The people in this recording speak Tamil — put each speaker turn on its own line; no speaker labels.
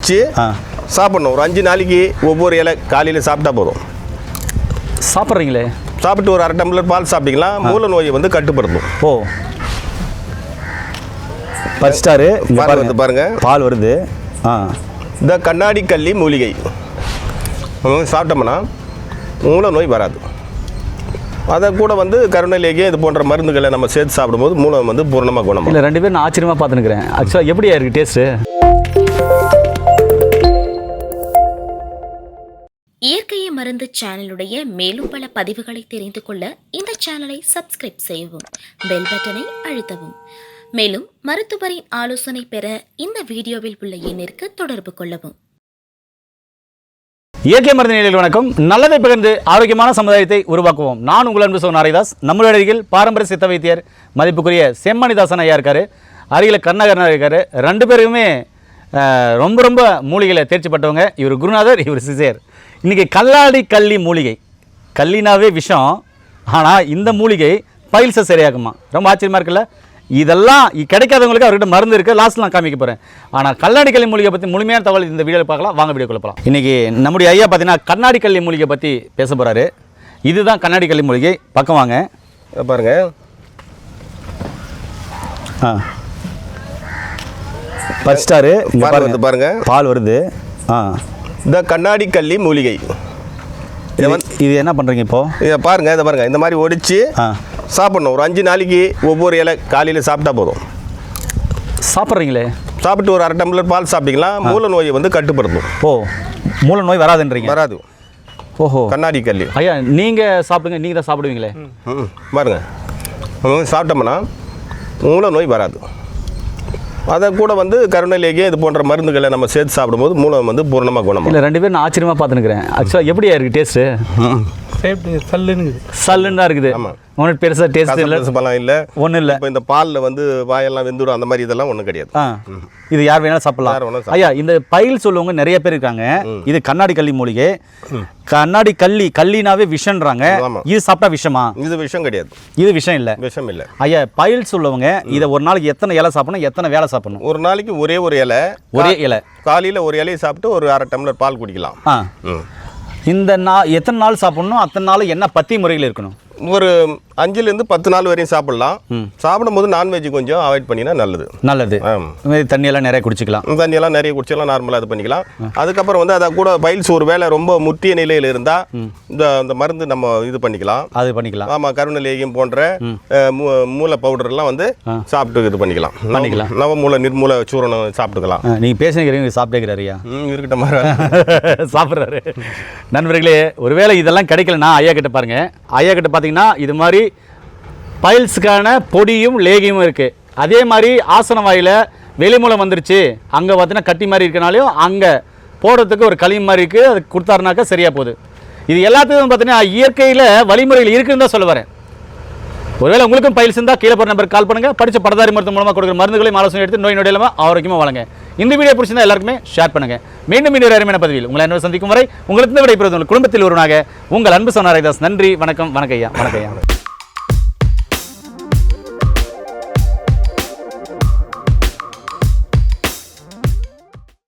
ஒடிச்சு சாப்பிடணும். ஒரு 5 நாளைக்கு ஒவ்வொரு இலை காலையில் சாப்பிட்டா போதும்.
சாப்பிட்றீங்களே,
சாப்பிட்டு ஒரு 1/2 டம்ளர் பால் சாப்பிட்டீங்களா மூல நோயை வந்து கட்டுப்படுத்தும்.
ஓ பஸ்டாரு
வந்து பாருங்க
பால் வருது.
இந்த கண்ணாடி கள்ளி மூலிகை சாப்பிட்டோம்னா மூல நோய் வராது. அதை கூட வந்து கருணைலேயே இது போன்ற மருந்துகளை நம்ம சேர்த்து சாப்பிடும்போது மூலம் வந்து பூர்ணமாக குணம்.
இல்லை 2 பேரும் நான் ஆச்சரியமாக பார்த்துனுக்கிறேன். ஆக்சுவலாக எப்படியா இருக்குது டேஸ்ட்டு?
இயற்கையை மருந்து சேனலுடைய மேலும் பல பதிவுகளை தெரிந்து கொள்ள இந்த சேனலை சப்ஸ்கிரைப் செய்யவும், பெல் பட்டனை அழுத்தவும். மேலும் மருத்துவரின் ஆலோசனை பெற இந்த வீடியோவில் உள்ள எண்ணிற்கு தொடர்பு கொள்ளவும்.
இயற்கை மருந்து நிலையில் வணக்கம். நல்லதை பகிர்ந்து ஆரோக்கியமான சமுதாயத்தை உருவாக்குவோம். நான் உங்கள் அன்பு சகோதரன் நாராயணதாஸ். நம்மளுடைய அருகில் பாரம்பரிய சித்த வைத்தியர் மதிப்புக்குரிய செம்மணிதாசன் ஐயா இருக்காரு, அருகில் கருணாகரன் இருக்காரு. 2 பேருமே ரொம்ப ரொம்ப மூலிகையில் தேர்ச்சி பட்டவங்க. இவர் குருநாதர், இவர் சிசேர். இன்றைக்கி கல்லாடி கள்ளி மூலிகை. கள்ளினாவே விஷம், ஆனால் இந்த மூலிகை பைல்ஸை சரியாகுமா? ரொம்ப ஆச்சரியமாக இருக்குல்ல? இதெல்லாம் கிடைக்காதவங்களுக்கு அவர்கிட்ட மருந்து இருக்குது, லாஸ்ட்டில் நான் காமிக்க போகிறேன். ஆனால் கண்ணாடி கள்ளி மூலிகை பற்றி முழுமையான தகவல் இந்த வீடியோவில் பார்க்கலாம். வாங்க வீடியோக்குள்ள போகலாம். இன்றைக்கி நம்முடைய ஐயா பார்த்தீங்கன்னா கண்ணாடி கள்ளி மூலிகை பற்றி பேச போகிறாரு. இதுதான் கண்ணாடி கள்ளி மூலிகை. பக்கம் வாங்க
பாருங்க.
பஸ்டாரு
வந்து பாருங்க
பால் வருது.
இந்த கண்ணாடி கள்ளி மூலிகை
இது என்ன பண்ணுறீங்க இப்போது?
இதை பாருங்கள், இதை பாருங்கள். இந்த மாதிரி ஒடிச்சு சாப்பிடணும். ஒரு 5 நாளைக்கு ஒவ்வொரு இலை காலையில் சாப்பிட்டா போதும்.
சாப்பிட்றீங்களே,
சாப்பிட்டு ஒரு 1/2 டம்ளர் பால் சாப்பிட்டீங்களா மூல நோயை வந்து கட்டுப்படுத்தும்.
ஓ மூல நோய் வராதுன்றீங்க?
வராது.
ஓஹோ,
கண்ணாடி கள்ளி.
ஐயா நீங்கள் சாப்பிடுங்க, நீங்கள் தான் சாப்பிடுவீங்களே.
பாருங்க, சாப்பிட்டோம்னா மூல நோய் வராது. அதை கூட வந்து கருணைலேயே இது போன்ற மருந்துகளை நம்ம சேர்த்து சாப்பிடும்போது மூலம் வந்து பூர்ணமாக குணம்.
இல்லை 2 பேரும் நான் ஆச்சரியமாக பார்த்துனுக்கிறேன். ஆக்சுவலாக எப்படியா இருக்குது டேஸ்ட்டு? சல்லுன்னு தான் இருக்குது. ஒன்றும் பெருசாக டேஸ்ட் இல்லை,
பழம் இல்லை,
ஒன்றும் இல்லை.
இப்போ இந்த பாலில் வந்து வாயெல்லாம் வெந்துடும், அந்த மாதிரி இதெல்லாம் ஒன்றும் கிடையாது.
இது யார் வேணாலும் சாப்பிடலாம். ஐயா இந்த பயில் சொல்லுவவங்க நிறைய பேர் இருக்காங்க. இது கண்ணாடி கள்ளி மூலிகை. கண்ணாடி கள்ளினாவே விஷன்றாங்க. இது சாப்பிட்டா விஷமா? இது விஷம் கிடையாது, இது விஷம் இல்லை, விஷம் இல்லை. ஐயா பயில் சொல்லுவங்க இதை ஒரு நாளைக்கு எத்தனை இலை சாப்பிடணும், எத்தனை வேலை சாப்பிடணும்?
ஒரு நாளைக்கு ஒரே ஒரு இலை. காலையில் ஒரு இலையை சாப்பிட்டு ஒரு 1/2 டம்ளர் பால் குடிக்கலாம்.
இந்த எத்தனை நாள் சாப்பிடணும்? அத்தனை நாள் என்ன பத்தி முறையில் இருக்கணும்?
ஒரு 5லேருந்து 10 நாள் வரையும் சாப்பிடலாம். சாப்பிடும்போது நான்வெஜ் கொஞ்சம் அவாய்ட் பண்ணினா நல்லது.
நல்லது. தண்ணியெல்லாம் நிறைய குடிச்சிக்கலாம்.
தண்ணியெல்லாம் நிறைய குடிச்சலாம், நார்மலாக இது பண்ணிக்கலாம். அதுக்கப்புறம் வந்து அதை கூட பைல்ஸ் ஒரு வேளை ரொம்ப முற்றிய நிலையில் இருந்தால் இந்த மருந்து நம்ம இது பண்ணிக்கலாம். அது பண்ணிக்கலாம். ஆமாம், கருணலேகியம் போன்ற மூல பவுடர்லாம் வந்து சாப்பிட்டு இது பண்ணிக்கலாம். நவமூல நிர்மூல சூரணம் சாப்பிட்டுக்கலாம்.
நீங்கள் பேசுகிறீங்க, சாப்பிட்டுக்கிறாரியா?
இருக்கட்டும், மாதிரி
சாப்பிட்றாரு. நண்பர்களே, ஒருவேளை இதெல்லாம் கிடைக்கலன்னா ஐயா கிட்ட பாருங்க. ஐயா கிட்ட பார்த்தீங்கன்னா இது மாதிரி பைல்ஸுக்கான பொடியும் லேகியும் இருக்குது. அதே மாதிரி ஆசன வாயில் வெளிமூலம் வந்துருச்சு, அங்கே பார்த்தீங்கன்னா கட்டி மாதிரி இருக்கனாலையும் அங்கே போடுறதுக்கு ஒரு களி மாதிரி இருக்குது, அது கொடுத்தாருனாக்கா சரியாக போகுது. இது எல்லாத்துக்கும் பார்த்தீங்கன்னா இயற்கையில் வழிமுறைகள் இருக்குன்னு தான் சொல்ல வரேன். ஒருவேளை உங்களுக்கும் பைல்ஸ் இருந்தால் கீழே போகிற நம்பருக்கு கால் பண்ணுங்கள். படித்த படதாரி மருத்துவம் மூலமாக கொடுக்குற மருந்துகளையும் ஆலோசனை எடுத்து நோய் நொடியில்லாமல் ஆரோக்கியமாக வழங்க. இந்த வீடியோ பிடிச்சிருந்தா எல்லாருக்குமே ஷேர் பண்ணுங்கள். மீண்டும் இன்னொரு அருமையான பதிவில் உங்களை என்ன சந்திக்கும் வரை உங்களுக்கு விடைபெறுவது உங்கள் குடும்பத்தில் ஒருவனாக உங்கள் அன்பு சகோதரன் நாராயணதாஸ். நன்றி, வணக்கம். வணக்கம் ஐயா. வணக்கம் ஐயா.